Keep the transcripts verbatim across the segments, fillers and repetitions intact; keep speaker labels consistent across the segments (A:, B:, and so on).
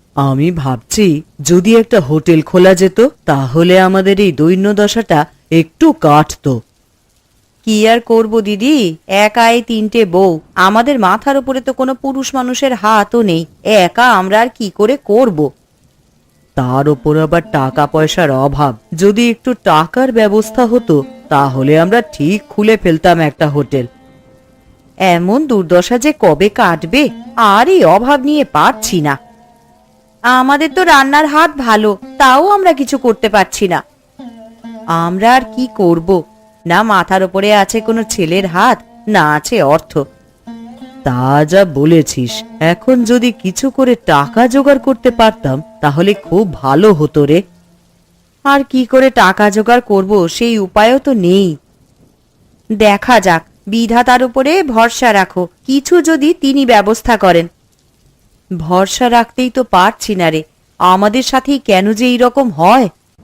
A: আমি ভাবছি যদি একটা হোটেল খোলা যেত তাহলে আমাদের এই দৈন্যদশাটা একটু কাটতো। কি আর করব দিদি, একা এই তিনটে বউ, আমাদের মাথার উপরে তো কোনো পুরুষ মানুষের হাতও নেই, একা আমরা আর কি করে করব। তার উপর আবার টাকা পয়সার অভাব, যদি একটু টাকার ব্যবস্থা হতো তাহলে আমরা ঠিক খুলে ফেলতাম একটা হোটেল। এমন দুর্দশা যে কবে কাটবে, আর এই অভাব নিয়ে পারছি না। আমাদের তো রান্নার হাত ভালো, তাও আমরা কিছু করতে পারছি না। আমরা আর কি করব, না মাথার উপরে আছে কোনো ছেলের হাত, না আছে অর্থ। তা যা বলেছিস, এখন যদি কিছু করে টাকা জোগাড় করতে পারতাম তাহলে খুব ভালো হতো রে। আর কি করে টাকা জোগাড় করব সেই উপায়ও তো নেই। দেখা যাক, বিধাতার উপরে ভরসা রাখো, কিছু যদি তিনি ব্যবস্থা করেন। ভরসা রাখতেই তো পারছি না রে, আমাদের সাথেই কেন যে এইরকম হয়।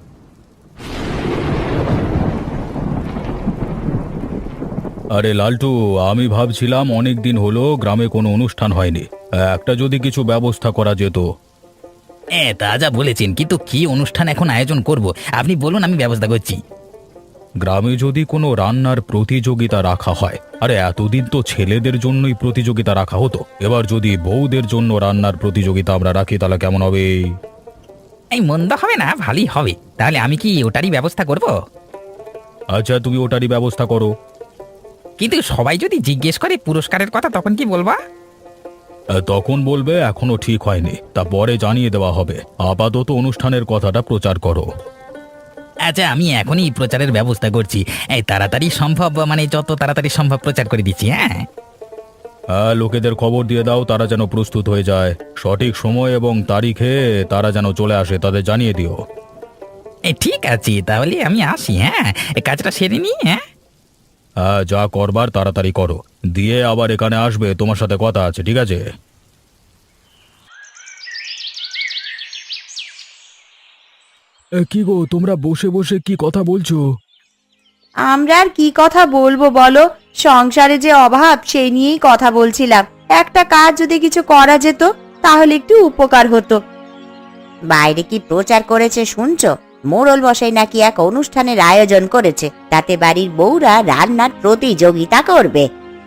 B: আরে লালটু, আমি ভাবছিলাম অনেক দিন হলো গ্রামে কোনো অনুষ্ঠান হয়নি, একটা যদি কিছু ব্যবস্থা করা যেত।
C: হ্যাঁ, তা যা বলেছেন, কিন্তু কি অনুষ্ঠান এখন আয়োজন করব আপনি বলুন, আমি ব্যবস্থা করছি।
B: গ্রামে যদি কোনো রান্নার প্রতিযোগিতা রাখা হয়, আরে এতদিন তো ছেলেদের জন্যই প্রতিযোগিতা রাখা হতো, এবার যদি বউদের জন্য রান্নার প্রতিযোগিতা আমরা রাখি তাহলে কেমন হবে?
C: এই মন্দ হবে না, ভালোই হবে। তাহলে আমি কি ওটারই ব্যবস্থা করব?
B: আচ্ছা, তুমি ওটারই ব্যবস্থা করো।
C: কিন্তু সবাই যদি জিজ্ঞেস করে পুরস্কারের কথা, তখন কি বলবা?
B: আহ, তখন বলবে এখনো ঠিক হয়নি, তা পরে জানিয়ে দেওয়া হবে। আপাতত অনুষ্ঠানের কথাটা প্রচার করো।
C: আচ্ছা, আমি এখনই প্রচারের ব্যবস্থা করছি। এই তাড়াতাড়ি সম্ভব, মানে যত তাড়াতাড়ি সম্ভব প্রচার করে দিচ্ছি। হ্যাঁ
B: হ্যাঁ, লোকেদের খবর দিয়ে দাও, তারা যেন প্রস্তুত হয়ে যায়। সঠিক সময় এবং তারিখে তারা যেন চলে আসে, তাদের জানিয়ে দিও।
C: এই ঠিক আছে, তাহলে আমি আসি। হ্যাঁ, এই কাজটা সেরে নি। হ্যাঁ
B: হ্যাঁ, যা করবার তাড়াতাড়ি করো, দিয়ে আবার এখানে আসবে, তোমার সাথে কথা আছে, ঠিক আছে? কি গো, তোমরা বসে বসে কি কথা বলছো?
A: আমরা আর কি কথা বলবো বলো, সংসারে যে অভাব সেই নিয়েই কথা বলছিলাম। একটা কাজ যদি কিছু করা যেত তাহলে একটু উপকার হতো। বাইরে কি প্রচার করেছে শুনছো? মোড়ল মশাই নাকি এক অনুষ্ঠানের আয়োজন করেছে, তাতে বাড়ির বউরা রান্নার প্রতিযোগিতা করবে।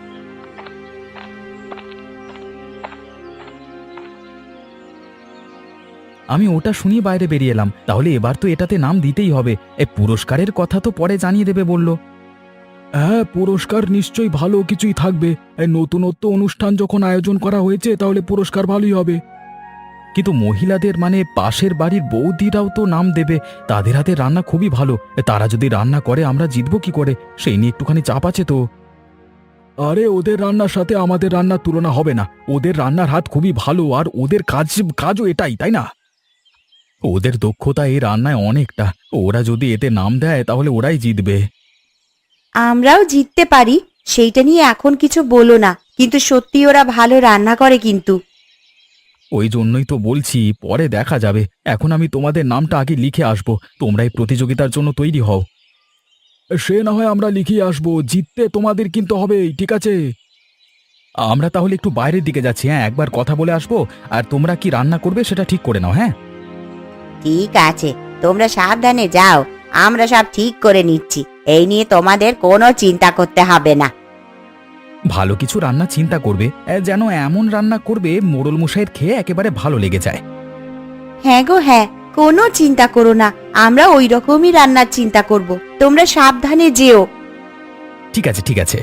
D: আমি ওটা শুনিয়ে বাইরে বেরিয়ে এলাম। তাহলে এবার তো এটাতে নাম দিতেই হবে। এ পুরস্কারের কথা তো পরে জানিয়ে দেবে বলল।
B: হ্যাঁ, পুরস্কার নিশ্চয়ই ভালো কিছুই থাকবে। এই নতুনত্ব অনুষ্ঠান যখন আয়োজন করা হয়েছে তাহলে পুরস্কার ভালোই হবে।
D: কিন্তু মহিলাদের মানে পাশের বাড়ির বৌদিরাও তো নাম দেবে, তাদের হাতে রান্না খুবই ভালো। এ তারা যদি রান্না করে আমরা জিতবো কি করে, সেই নিয়ে একটুখানি চাপ আছে তো।
B: আরে, ওদের রান্নার সাথে আমাদের রান্নার তুলনা হবে না। ওদের রান্নার হাত খুবই ভালো, আর ওদের কাজ কাজও এটাই, তাই না?
D: ওদের দক্ষতা এই রান্নায় অনেকটা, ওরা যদি এতে নাম দেয় তাহলে ওরাই জিতবে।
A: আমরাও জিততে পারি, সেইটা নিয়ে এখন কিছু বলো না, কিন্তু সত্যি ওরা ভালো রান্না করে কিন্তু।
D: ওই জন্যই তো বলছি, পরে দেখা যাবে। এখন আমি তোমাদের নামটা আগে লিখে আসবো, তোমরা এই প্রতিযোগিতার জন্য তৈরি হও।
B: সে না হয় আমরা লিখিয়ে আসবো, জিততে তোমাদের কিন্তু হবেই, ঠিক আছে?
D: আমরা তাহলে একটু বাইরের দিকে যাচ্ছি। হ্যাঁ, একবার কথা বলে আসবো, আর তোমরা কি রান্না করবে সেটা ঠিক করে নাও। হ্যাঁ
A: ঠিক আছে, তোমরা সাবধানে যাও, আমরা সব ঠিক করে নিচ্ছি, এই নিয়ে তোমাদের কোনো চিন্তা করতে হবে না।
D: ভালো কিছু রান্না চিন্তা করবে, এ, যেন এমন রান্না করবে মোড়ল মশাইয়ের খেয়ে একেবারে ভালো লেগে যায়।
A: হ্যাঁ গো হ্যাঁ, কোনো চিন্তা করো না, আমরা ওই রকমই রান্নার চিন্তা করব, তোমরা সাবধানে যেও।
D: ঠিক আছে ঠিক আছে।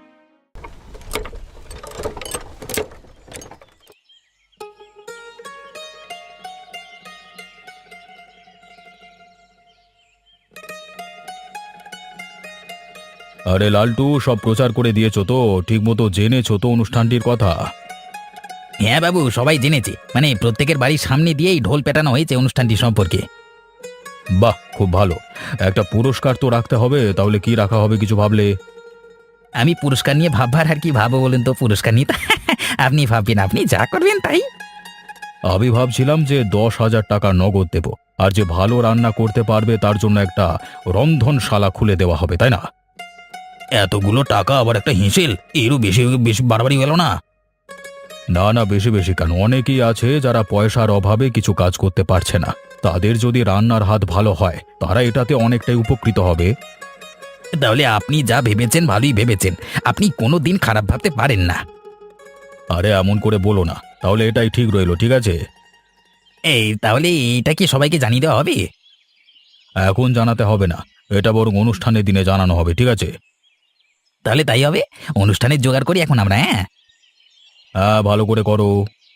B: আরে লালটু, সব প্রচার করে দিয়েছো তো? ঠিক মতো জেনেছো তো অনুষ্ঠানটির কথা?
C: হ্যাঁ বাবু, সবাই জেনেছে, মানে প্রত্যেকের বাড়ির সামনে দিয়েই ঢোল পেটানো হয়েছে অনুষ্ঠানটি সম্পর্কে।
B: বাহ, খুব ভালো। একটা পুরস্কার তো রাখতে হবে, তাহলে কি রাখা হবে কিছু ভাবলে?
C: আমি পুরস্কার নিয়ে ভাববার আর কি ভাবো বলুন তো, পুরস্কার নিয়ে তো আপনি ভাববেন, আপনি যা করবেন তাই।
B: আমি ভাবছিলাম যে দশ হাজার টাকা নগদ দেব, আর যে ভালো রান্না করতে পারবে তার জন্য একটা রন্ধনশালা খুলে দেওয়া হবে, তাই না?
C: এতগুলো টাকা আবার একটা হিঁসেল, এরও বেশি বেশি বাড়াবাড়ি গেল না?
B: না না, বেশি বেশি কেন, অনেকেই আছে যারা পয়সার অভাবে কিছু কাজ করতে পারছে না। তাদের যদি রান্নার হাত ভালো হয় তারা এটাতে অনেকটাই উপকৃত হবে।
C: তাহলে আপনি যা ভেবেছেন ভালোই ভেবেছেন, আপনি কোনো দিন খারাপ ভাবতে পারেন না।
B: আরে এমন করে বলো না, তাহলে এটাই ঠিক রইলো, ঠিক আছে?
C: এই তাহলে এইটা কি সবাইকে জানিয়ে দেওয়া হবে?
B: এখন জানাতে হবে না, এটা বরং অনুষ্ঠানের দিনে জানানো হবে, ঠিক আছে?
C: তাহলে তাই হবে, অনুষ্ঠানের জোগাড় করি এখন আমরা। হ্যাঁ,
B: হ্যাঁ, ভালো করে করো।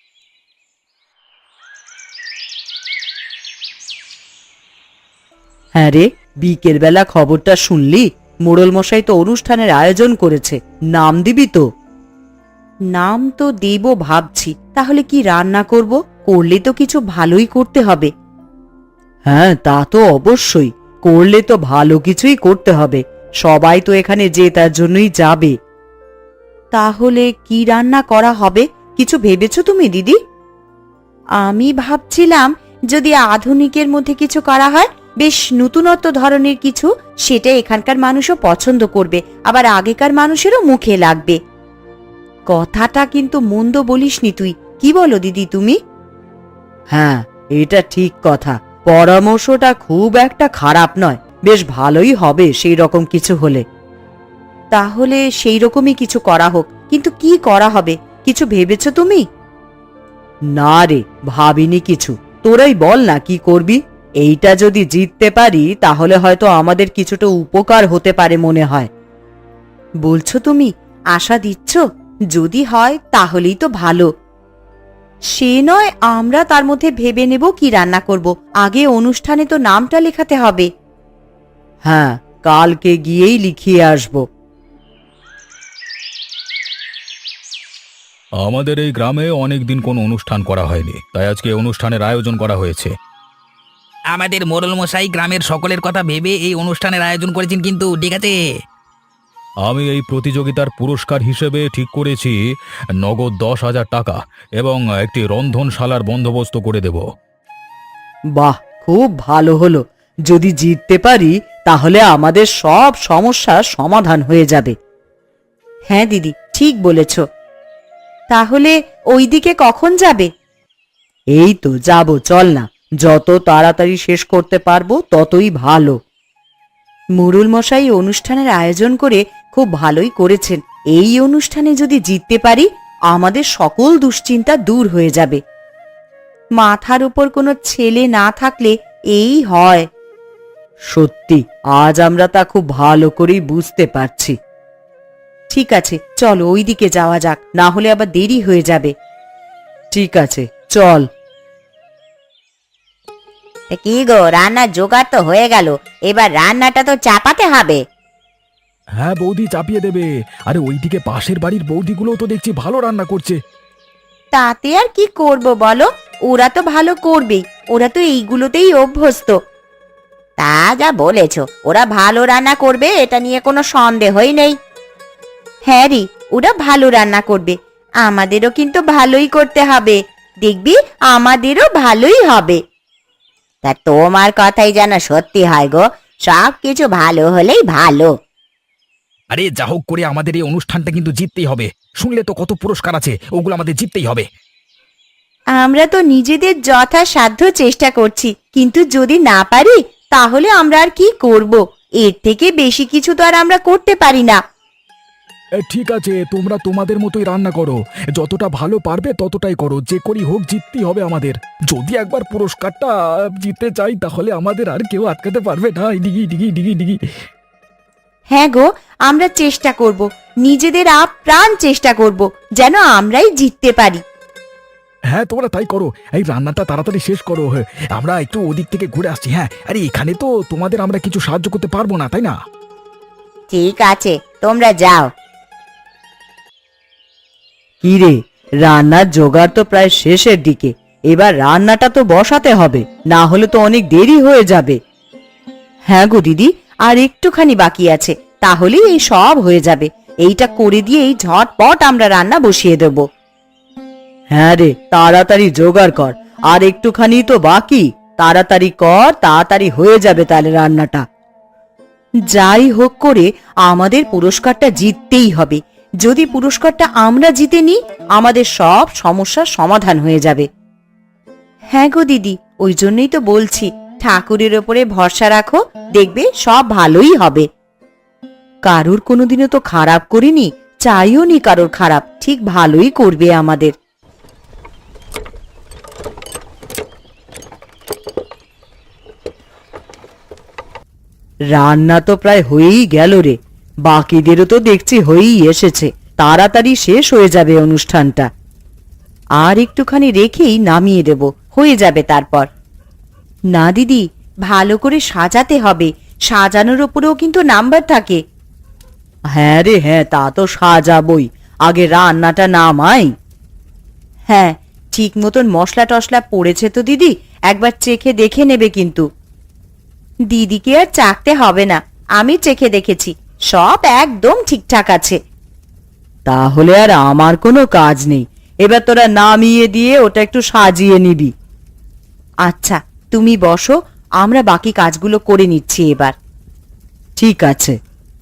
A: হ্যাঁ রে, বিকেল বেলা খবরটা শুনলি? মোড়ল মশাই তো অনুষ্ঠানের আয়োজন করেছে, নাম দিবি তো? নাম তো দেব ভাবছি, তাহলে কি রান্না করব? করলে তো কিছু ভালোই করতে হবে। হ্যাঁ, তা তো অবশ্যই, করলে তো ভালো কিছুই করতে হবে। সবাই তো এখানে যে তার জন্যই যাবে। তাহলে কি রান্না করা হবে, কিছু ভেবেছো তুমি দিদি? আমি ভাবছিলাম যদি আধুনিকের মধ্যে কিছু করা হয়, বেশ নতুনত্ব ধরনের কিছু, সেটা এখানকার মানুষও পছন্দ করবে, আবার আগেকার মানুষেরও মুখে লাগবে। কথাটা কিন্তু মন্দ বলিসনি তুই, কি বলো দিদি তুমি? হ্যাঁ, এটা ঠিক কথা, পরামর্শটা খুব একটা খারাপ নয়, বেশ ভালোই হবে সেই রকম কিছু হলে। তাহলে সেই রকমই কিছু করা হোক, কিন্তু কি করা হবে, কিছু ভেবেছো তুমি? না রে, ভাবিনি কিছু, তোরাই বল না কি করবি। এইটা যদি জিততে পারি তাহলে হয়তো আমাদের কিছুটা উপকার হতে পারে মনে হয়। বলছো তুমি, আশা দিচ্ছ? যদি হয় তাহলেই তো ভালো। সে নয়, আমরা তার মধ্যে ভেবে নেব কি রান্না করব, আগে অনুষ্ঠানে তো নামটা লেখাতে হবে। হ্যাঁ, কালকে গিয়েই লিখিয়ে আসবো।
B: আমাদের এই গ্রামে অনেক দিন কোনো অনুষ্ঠান করা হয়নি, তাই আজকে অনুষ্ঠানের আয়োজন করা হয়েছে।
C: আমাদের মোড়ল মশাই গ্রামের সকলের কথা ভেবে এই অনুষ্ঠানের আয়োজন করেছেন, কিন্তু ঠিক আছে।
B: আমি এই প্রতিযোগিতার পুরস্কার হিসেবে ঠিক করেছি নগদ দশ হাজার টাকা এবং একটি রন্ধনশালার বন্দোবস্ত করে দেব।
A: বাহ, খুব ভালো হলো। যদি জিততে পারি তাহলে আমাদের সব সমস্যার সমাধান হয়ে যাবে। হ্যাঁ দিদি, ঠিক বলেছ। তাহলে ওইদিকে কখন যাবে? এই তো যাব, চল না, যত তাড়াতাড়ি শেষ করতে পারবো ততই ভালো। মোড়ল মশাই অনুষ্ঠানের আয়োজন করে খুব ভালোই করেছেন। এই অনুষ্ঠানে যদি জিততে পারি আমাদের সকল দুশ্চিন্তা দূর হয়ে যাবে। মাথার উপর কোনো ছেলে না থাকলে এই হয়। সত্যি, আজ আমরা তা খুব ভালো করেই বুঝতে পারছি। ঠিক আছে, চলো ওইদিকে যাওয়া যাক, না হলে আবার দেরি হয়ে যাবে। ঠিক আছে, চল।
E: কি গো, রান্নার জোগাড় তো হয়ে গেল, এবার রান্নাটা তো চাপাতে হবে।
D: হ্যাঁ বৌদি, চাপিয়ে দেবে। আরে ওইদিকে পাশের বাড়ির বৌদিগুলো তো দেখছি ভালো রান্না করছে।
E: তাতে আর কি করব বলো, ওরা তো ভালো করবেই, ওরা তো এইগুলোতেই অভ্যস্ত। তা যা বলেছ, ওরা ভালো রান্না করবে এটা নিয়ে কোনো সন্দেহই নেই। হ্যাঁ রে, ওরা ভালো রান্না করবে, আমাদেরও কিন্তু ভালোই করতে হবে, দেখবি আমাদেরও ভালোই হবে। তা তোমার কথাই যেন সত্যি হয় গো, সব কিছু ভালো হলেই ভালো।
C: আরে যা হোক করে আমাদের এই অনুষ্ঠানটা কিন্তু জিততেই হবে। শুনলে তো কত পুরস্কার আছে, ওগুলো আমাদের জিততেই হবে।
E: আমরা তো নিজেদের যথাসাধ্য চেষ্টা করছি, কিন্তু যদি না পারি তাহলে আমরা আর কি করব? এর থেকে বেশি কিছু তো আর আমরা করতে পারি না।
D: এ, ঠিক আছে, তোমরা তোমাদের মতোই রান্না করো, যতটা ভালো পারবে ততটাই করো, যে করি হোক জিততেই হবে আমাদের। যদি একবার পুরস্কারটা জিততে চাই তাহলে আমাদের আর কেউ আটকাতে পারবে না। ডিগি ডিগি ডিগি ডিগি।
E: হ্যাঁ গো, আমরা চেষ্টা করব, নিজেদের আপ্রাণ চেষ্টা করব যেন আমরাই জিততে পারি।
D: হ্যাঁ, তোমরা তাই করো, এই রান্নাটা তাড়াতাড়ি শেষ করো। হ্যাঁ, আমরা একটু ওদিক থেকে ঘুরে আসছি। হ্যাঁ, আরে এখানে তো তোমাদের আমরা কিছু সাহায্য করতে পারবো না, তাই না?
E: ঠিক আছে, তোমরা যাও।
A: কি রে, রান্নার জোগাড় তো প্রায় শেষের দিকে, এবার রান্নাটা তো বসাতে হবে, না হলে তো অনেক দেরি হয়ে যাবে। হ্যাঁ গো দিদি, আর একটুখানি বাকি আছে, তাহলেই এই সব হয়ে যাবে। এইটা করে দিয়েই ঝটপট আমরা রান্না বসিয়ে দেব। হ্যাঁ রে, তাড়াতাড়ি জোগাড় কর, আর একটুখানি তো বাকি, তাড়াতাড়ি কর, তাড়াতাড়ি হয়ে যাবে তাহলে রান্নাটা। যাই হোক করে আমাদের পুরস্কারটা জিততেই হবে, যদি পুরস্কারটা আমরা জিতে নিই আমাদের সব সমস্যার সমাধান হয়ে যাবে। হ্যাঁ গো দিদি, ওই জন্যই তো বলছি ঠাকুরের ওপরে ভরসা রাখো, দেখবে সব ভালোই হবে। কারুর কোনোদিনও তো খারাপ করিনি, চাইও নি কারোর খারাপ, ঠিক ভালোই করবে আমাদের। রান্না তো প্রায় হয়েই গেল রে, বাকিদেরও তো দেখছি হয়েই এসেছে, তাড়াতাড়ি শেষ হয়ে যাবে অনুষ্ঠানটা। আর একটুখানি রেখেই নামিয়ে দেব, হয়ে যাবে তারপর। না দিদি, ভালো করে সাজাতে হবে, সাজানোর উপরেও কিন্তু নাম্বার থাকে। হ্যাঁ রে হ্যাঁ, তা তো সাজাবই, আগে রান্নাটা নামাই। হ্যাঁ, ঠিক মতন মশলা টশলা পড়েছে তো দিদি, একবার চেখে দেখে নেবে কিন্তু। দিদিকে আর চাকতে হবে না, আমি চেখে দেখেছি, সব একদম ঠিকঠাক আছে। তাহলে আর আমার কোনো কাজ নেই, এবার তোরা নামিয়ে দিয়ে ওটা একটু সাজিয়ে নিবি। আচ্ছা তুমি বসো, আমরা বাকি কাজগুলো করে নিচ্ছি এবার। ঠিক আছে।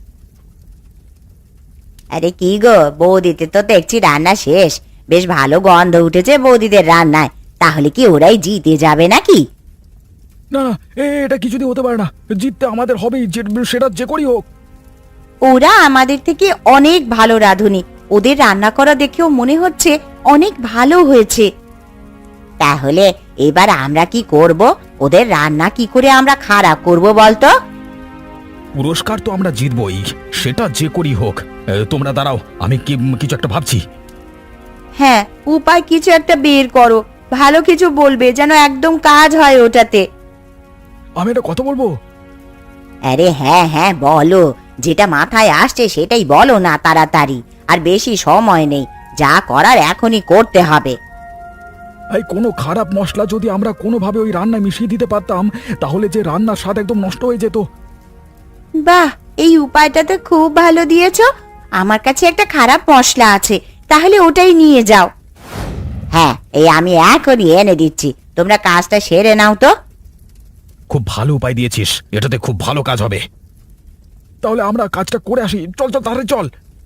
E: আরে কি গো বৌদিতে তো দেখছি রান্না শেষ, বেশ ভালো গন্ধ উঠেছে বৌদিদের রান্নায়, তাহলে কি ওরাই জিতে যাবে নাকি?
D: না না, এ এটা কিছুতেই হতে পারে না, জিততে আমাদের হবেই, যে- সেটা যে করেই হোক।
E: ওরা আমাদের থেকে অনেক ভালো রাঁধুনি, ওদের রান্না করা দেখেও মনে হচ্ছে অনেক ভালো হয়েছে। তাহলে এবার আমরা কি করব? ওদের রান্না কি করে আমরা খারাপ করব বলতো?
B: পুরস্কার তো আমরা জিতবই, সেটা যে করি হোক। এ, তোমরা দাঁড়াও, আমি কি কিছু একটা ভাবছি।
E: হ্যাঁ, উপায় কিছু একটা বের করো, ভালো কিছু বলবে যেন একদম কাজ হয় ওটাতে।
D: আমি একটা কথা বলবো।
E: আরে হ্যাঁ হ্যাঁ বলো, যেটা মাথায় আসছে সেটাই বলো না তাড়াতাড়ি, আর বেশি সময় নেই, যা করার এখনই করতে হবে।
D: এই কোনো খারাপ মশলা যদি আমরা কোনোভাবে ওই রান্নায় মিশিয়ে দিতে পারতাম, তাহলে যে রান্নার স্বাদ একদম নষ্ট হয়ে যেত।
E: বাহ, এই উপায়টা তো খুব ভালো দিয়েছো। আমার কাছে একটা খারাপ মশলা আছে, তাহলে ওটাই নিয়ে যাও। হ্যাঁ, এই আমি এখনই এনে দিচ্ছি, তোমরা কাজটা সেরে নাও তো।
B: খুব ভালো উপায় দিয়েছিস, এটাতে খুব ভালো কাজ হবে।
D: তাহলে আমরা কাজটা করে আসি, চল চল তাড়াতাড়ি চল।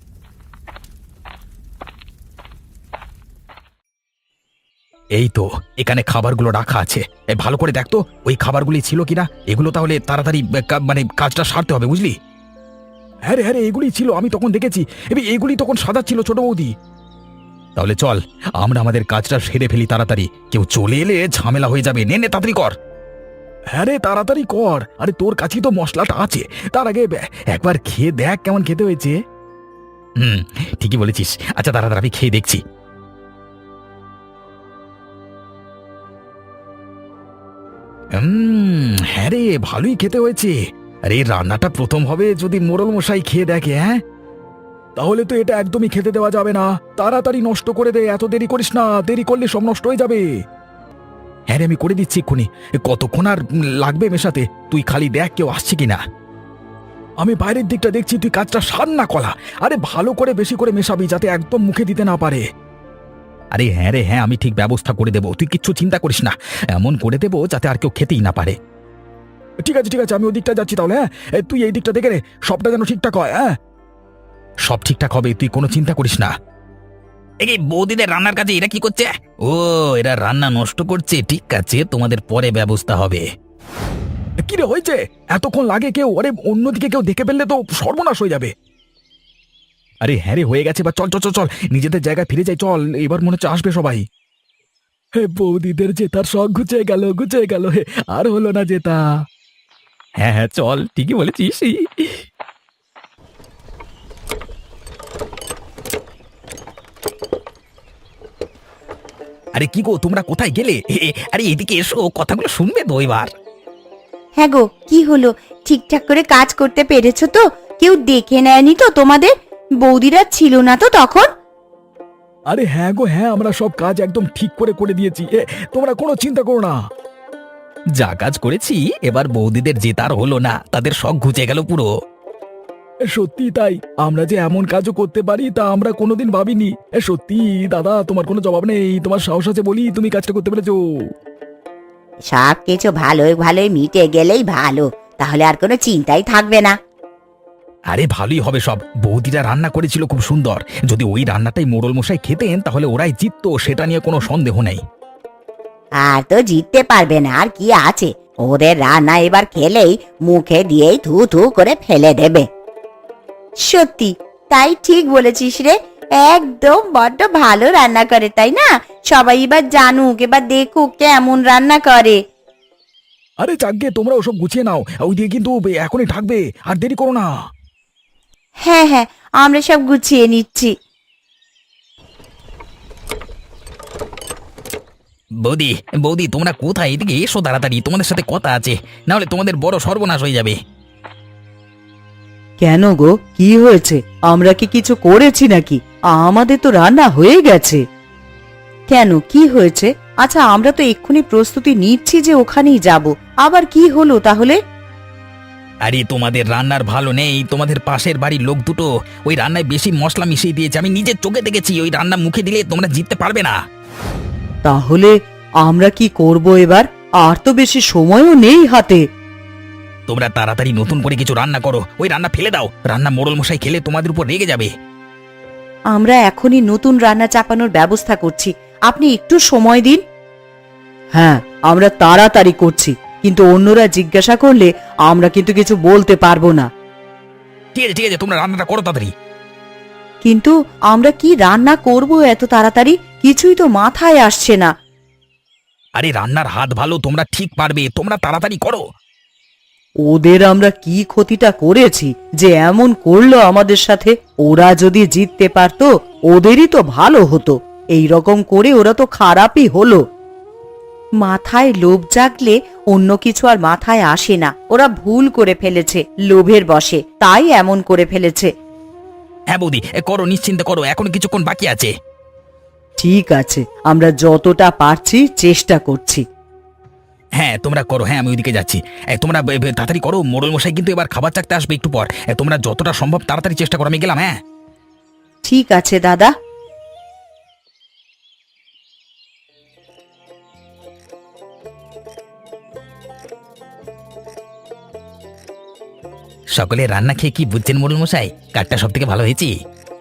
B: এই তো, এখানে খাবারগুলো রাখা আছে, এ, ভালো করে দেখ তো ওই খাবারগুলি ছিল কিনা। এগুলো তাহলে তাড়াতাড়ি এ, কা- মানে কাজটা সারতে হবে, বুঝলি?
D: হ্যাঁ রে হ্যাঁ রে, এগুলি ছিল, আমি তখন দেখেছি, এবার এগুলি তখন সাদা ছিল ছোট বৌদি।
B: তাহলে চল আমরা আমাদের কাজটা সেরে ফেলি তাড়াতাড়ি, কেউ চলে এলে ঝামেলা হয়ে যাবে। নে নে তাড়াতাড়ি কর।
D: হ্যাঁ রে তাড়াতাড়ি কর, আরে তোর কাছেই তো মশলাটা আছে, তার আগে বে- একবার খেয়ে দেখ কেমন খেতে হয়েছে।
B: হুম, ঠিকই বলেছিস। আচ্ছা তাড়াতাড়ি আমি খেয়ে দেখছি।
D: হুম, হ্যাঁ রে ভালোই খেতে হয়েছে। আরে এই রান্নাটা প্রথম হবে যদি মোড়ল মশাই খেয়ে দেখে, হ্যাঁ তাহলে তো এটা একদমই খেতে দেওয়া যাবে না, তাড়াতাড়ি নষ্ট করে দে, এত দেরি করিস না, দেরি করলে সব নষ্ট হয়ে যাবে। হ্যাঁ রে আমি করে দিচ্ছি এক্ষুনি, এ, কতক্ষণ আর উম, লাগবে মেশাতে, তুই খালি দেখ কেউ আসছে কিনা। আমি বাইরের দিকটা দেখছি, তুই কাজটা সার না কলা, আরে ভালো করে বেশি করে মেশাবি যাতে একদম মুখে দিতে না পারে।
B: আরে হ্যাঁ রে হ্যাঁ, আমি ঠিক ব্যবস্থা করে দেবো, তুই কিচ্ছু চিন্তা করিস না, এমন করে দেবো যাতে আর কেউ খেতেই না পারে।
D: ঠিক আছে ঠিক আছে, আমি ওই দিকটা যাচ্ছি তাহলে। হ্যাঁ এ, তুই এই দিকটা দেখে রে, সবটা যেন ঠিকঠাক হয়। হ্যাঁ
B: সব ঠিকঠাক হবে, তুই কোনো চিন্তা করিস না।
C: এই বৌদিদের রান্নার কাজে এরা কি করছে? ও, এরা রান্না নষ্ট করছে, ঠিক আছে, তোমাদের পরে ব্যবস্থা হবে।
D: কি রে হয়েছে, এতক্ষণ লাগে কেউ? আরে অন্যদিকে কেউ দেখে ফেললে তো সর্বনাশ হয়ে যাবে। আরে হ্যাঁ রে হয়ে গেছে, বা চল চল চল চল নিজেদের জায়গায় ফিরে যাই, চল, এবার মনে হচ্ছে আসবে সবাই। হে বৌদিদের জেতার শখ ঘুচে গেল, ঘুচে গেল, হে আর হলো না জেতা।
B: হ্যাঁ হ্যাঁ চল, ঠিকই বলেছিস।
C: আরে কি গো, তোমরা কোথায় গেলে? এ, এ, আরে এদিকে এসো, কথাগুলো শুনবে তো এবার।
E: হ্যাঁ গো, কি হলো, ঠিকঠাক করে কাজ করতে পেরেছো তো? কেউ দেখে নেয়নি তো তোমাদের? বৌদিরা ছিল না তো তখন?
D: আরে হ্যাঁ গো হ্যাঁ, আমরা সব কাজ একদম ঠিক করে করে দিয়েছি, এ, তোমরা কোনো চিন্তা করো না।
C: যা কাজ করেছি, এবার বৌদিদের জেতার হলো না, তাদের শখ ঘুচে গেল পুরো।
D: এ, সত্যি তাই, আমরা যে এমন কাজও করতে পারি তা আমরা কোনোদিন ভাবিনি। এ, সত্যি দাদা, তোমার কোনো জবাব নেই, তোমার সাহস আছে বলি তুমি কাজটা করতে পেরেছো।
E: সব কিছু ভালোই ভালোই মিটে গেলেই ভালো, তাহলে আর কোনো চিন্তাই থাকবে না।
C: আরে ভালোই হবে সব, বৌদিরা রান্না করেছিল খুব সুন্দর। যদি ওই রান্নাটাই মোড়ল মশাই খেতেন তাহলে ওরাই জিততো, সেটা নিয়ে কোনো সন্দেহ নেই।
E: আর তো জিততে পারবে না, আর কি আছে, ওদের রান্না এবার খেলেই মুখে দিয়েই থু থু করে ফেলে দেবে। সত্যি তাই, ঠিক বলেছিস রে, একদম বড্ড ভালো রান্না করে, তাই না? সবাই এবার জানুক, এবার দেখুক কেমন রান্না করে।
D: আরে যাকগে, তোমরা ওসব গুছিয়ে নাও, ওই দিয়ে কিন্তু এখনই ঢাকবে, আর দেরি করো না।
E: হ্যাঁ হ্যাঁ, আমরা সব গুছিয়ে নিচ্ছি।
C: বৌদি বৌদি তোমরা কোথায়? এদিকে এসো তাড়াতাড়ি, তোমাদের সাথে কথা আছে, না হলে তোমাদের বড় সর্বনাশ হয়ে যাবে।
A: কেন গো, কি হয়েছে? আমরা কি কিছু করেছি নাকি? আমাদের তো রান্না হয়ে গেছে। কেন, কি হয়েছে? আচ্ছা, আমরা তো এক্ষুনি প্রস্তুতি নিচ্ছি যে ওখানেই যাব, আবার কি হলো তাহলে?
C: আরে তোমাদের রান্নার ভালো নেই, তোমাদের পাশের বাড়ির লোক দুটো ওই রান্নায় বেশি মশলা মিশিয়ে দিয়েছে, আমি নিজের চোখে দেখেছি। ওই রান্না মুখে দিলে তোমরা জিততে পারবে না।
A: তাহলে আমরা কি করব এবার? আর তো বেশি সময়ও নেই হাতে।
C: তোমরা তাড়াতাড়ি নতুন করে কিছু রান্না করো, ওই রান্না ফেলে দাও। রান্না মোড়ল মশাই খেলে তোমাদের উপর রেগে যাবে।
A: আমরা এখনই নতুন রান্না চাপানোর ব্যবস্থা করছি, আপনি একটু সময় দিন। হ্যাঁ, আমরা তাড়াতাড়ি করছি, কিন্তু অন্যরা জিজ্ঞাসা করলে আমরা কিন্তু কিছু বলতে পারবো না।
C: ঠিক আছে ঠিক আছে, তোমরা রান্নাটা করো তাড়াতাড়ি।
A: কিন্তু আমরা কি রান্না করব এত তাড়াতাড়ি? কিছুই তো মাথায় আসছে না।
C: আরে রান্নার হাত ভালো, তোমরা ঠিক পারবে, তোমরা তাড়াতাড়ি করো।
A: ওদের আমরা কি ক্ষতিটা করেছি যে এমন করলো আমাদের সাথে? ওরা যদি জিততে পারতো ওদেরই তো ভালো হতো, এই রকম করে ওরা তো খারাপই হলো। মাথায় লোভ জাগলে অন্য কিছু আর মাথায় আসে না। ওরা ভুল করে ফেলেছে, লোভের বশে, তাই এমন করে ফেলেছে।
C: হ্যাঁ বৌদি, এ করো, নিশ্চিন্তে করো, এখনো কিছুক্ষণ বাকি আছে।
A: ঠিক আছে, আমরা যতটা পারছি চেষ্টা করছি।
C: হ্যাঁ তোমরা করো, হ্যাঁ আমি ওইদিকে যাচ্ছি। এ, তোমরা বে- বে- তাড়াতাড়ি করো, মোড়ল মশাই কিন্তু এবার খাবার চাকতে আসবে একটু পর। এ, তোমরা যতটা সম্ভব তাড়াতাড়ি চেষ্টা করো, আমি গেলাম। হ্যাঁ
A: ঠিক আছে দাদা।
C: সকলে রান্না খেয়ে কি বুঝছেন মোড়ল মশাই? কাঠটা সব থেকে ভালো হয়েছে।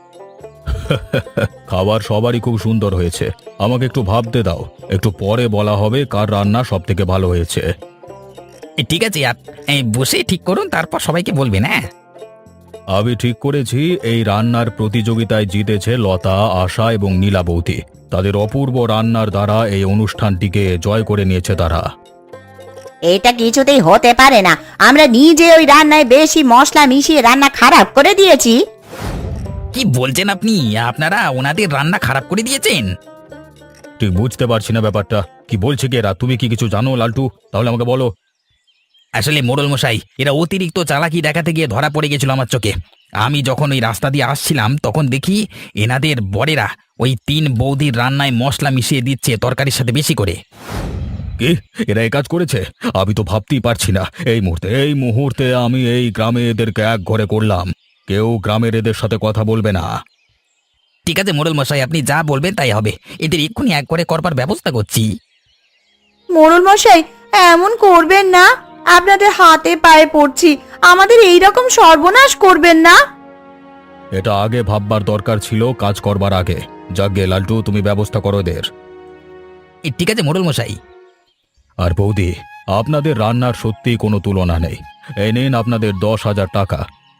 B: খাবার সবারই খুব সুন্দর হয়েছে। আমাকে একটু ভাবতে দাও, একটু পরে বলা হবে কার রান্না সব থেকে ভালো হয়েছে।
C: এ, ঠিক আছে, আপ এই বসে ঠিক করুন, তারপর সবাইকে বলবেন। হ্যাঁ
B: আমি ঠিক করেছি এই রান্নার প্রতিযোগিতায় জিতেছে লতা, আশা এবং নীলাবতী। তাদের অপূর্ব রান্নার দ্বারা এই অনুষ্ঠানটিকে জয় করে নিয়েছে তারা।
E: এটা কিছুতেই হতে পারে না, আমরা নিজে ওই রান্নায় বেশি মশলা মিশিয়ে রান্না খারাপ করে দিয়েছি।
C: কি বলছেন আপনি? আপনারা ওনাদের রান্না খারাপ করে দিয়েছেন?
B: ঠিক বুঝতে পারছি না ব্যাপারটা, কি বলছে কি এরা? তুমি কি কিছু জানো লালটু? তাহলে আমাকে বলো।
C: আসলে মোড়ল মশাই, এরা অতিরিক্ত চালাকি দেখাতে গিয়ে ধরা পড়ে গেছিল আমার চোখে। আমি যখন ওই রাস্তা দিয়ে আসছিলাম তখন দেখি এনাদের বরেরা ওই তিন বৌদির রান্নায় মশলা মিশিয়ে দিচ্ছে তরকারির সাথে বেশি করে।
B: কি, এরা এই কাজ করেছে? আমি তো ভাবতেই পারছি না। এই মুহূর্তে এই মুহূর্তে আমি এই গ্রামে এদেরকে এক ঘরে করলাম। কেউ গ্রামের এদের সাথে কথা বলবে না।
C: ঠিক আছে মোড়ল মশাই, আপনি যা বলবেন তাই হবে। এদের এক্ষুনি এক করে করবার ব্যবস্থা করছি।
E: মোড়ল মশাই, এমন করবেন না, আপনাদের হাতে পায়ে পড়ছি, আমাদের এই রকম সর্বনাশ করবেন না।
B: এটা আগে ভাববার দরকার ছিল, কাজ করবার আগে। যাকগে লালটু, তুমি ব্যবস্থা করো এদের।
C: এ, ঠিক আছে মোড়ল মশাই।
B: আর বৌদি, আপনাদের রান্নার সত্যিই কোনো তুলনা নেই। এই নিন আপনাদের দশ হাজার টাকা।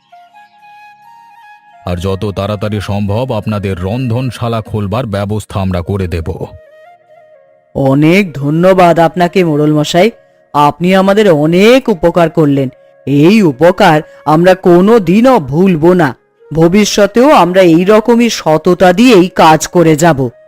B: আর যত তাড়াতাড়ি সম্ভব আপনাদের রন্ধনশালা খোলবার ব্যবস্থা আমরা করে দেব।
A: অনেক ধন্যবাদ আপনাকে মোড়ল মশাই, আপনি আমাদের অনেক উপকার করলেন। এই উপকার আমরা কোনো দিনও ভুলব না। ভবিষ্যতেও আমরা এই রকমই সততা দিয়েই কাজ করে যাব।